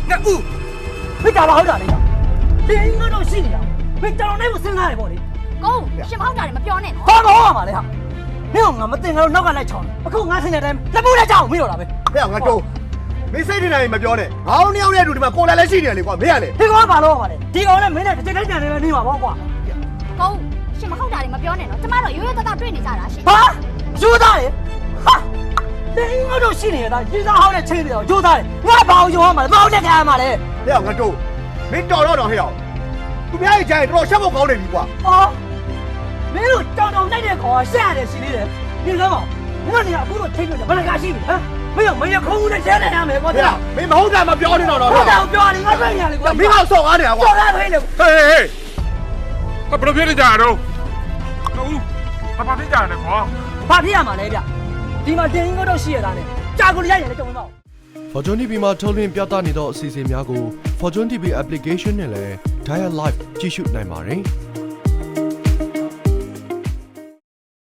ငါဦးဖိတာပါဟုတ်တာလေတင်းငါတို့ရှိနေတာဖိတောင်နဲ့ကိုစဉ်းစားတယ်ပေါ့လေကိုရှင်မဟုတ်တာလည်းမပြောနဲ့နော်ဘာမဟုတ်ရမှာလဲဟာမင်းကငါမတင်ငါတို့နောက်ကလိုက်ချောင်းအခုငါဆင်းတဲ့အတိုင်းလက်ပူးလက်ချောင်းမင်းတော့တာပဲဟဲ့ငါတော့မင်းစိတ်ထင်တယ်မပြောနဲ့ငါတို့နှစ်ယောက်နဲ့အတူဒီမှာကိုယ်လည်းရှိနေတယ်လေကွာမင်းကလေဒီကောင်ကဘာလို့ရမှာလဲဒီကောင်နဲ့မင်းနဲ့တစ်ချိန်တိုင်းကြံနေပဲနေမှာပေါ့ကွာကိုရှင်မဟုတ်တာလည်းမပြောနဲ့နော်ကျမတို့ရိုးရိုးသားသားတွေ့နေကြတာရှင်ဟာယူသားလေဟာတင်းငါတို့ရှိနေတာယူသားဟောင်းနဲ့ချိန်နေတော့ယူသားလေငါဘာအောင်ယူရမှာလဲဘာအောင်နဲ့ခံရမှာလဲဟဲ့ငါတော့မင်းတော်တော့ဟဲ့သူများရဲ့ကြိုင်တော်ရှက်ဖို့ကောင်းနေပြီကွာဟောမင်းတို့တောင်တောင်လိုက်တဲ့ကောင်ကရှက်ရတယ်ရှိသေးတယ်ဒီလိုပေါ့မင်းတို့နေအခုတော့ချိန်နေတယ်ဘယ်နှကားရှိပြီဟမ်မင်းကမင်းခုံးနဲ့ရှဲနေရမယ်ကွာဟဲ့မင်းမဟုတ်တာမပြောနေတော့တော့ဟုတ်တယ်ပြောတယ်ငါတွေ့နေရတယ်ကွာမင်းကဆော့ကားနေတာကွာဆော်ရဖိနေဟေးဘယ်လိုဖြစ်နေကြတာတော့ဦးဘာဖြစ်ကြရလဲကွာဘာဖြစ်ရမှာလဲဗျဒီမှာတင်ငါတို့ရှိရတာနဲ့ကြာကိုရိုက်ရတယ်ကြုံမအောင် Fortune TV မှာထုတ်လွှင့်ပြသနေသောအစီအစဉ်များကို Fortune TV application နဲ့လည်း Dial Live ကြည့်ရှုနိုင်ပါတယ်။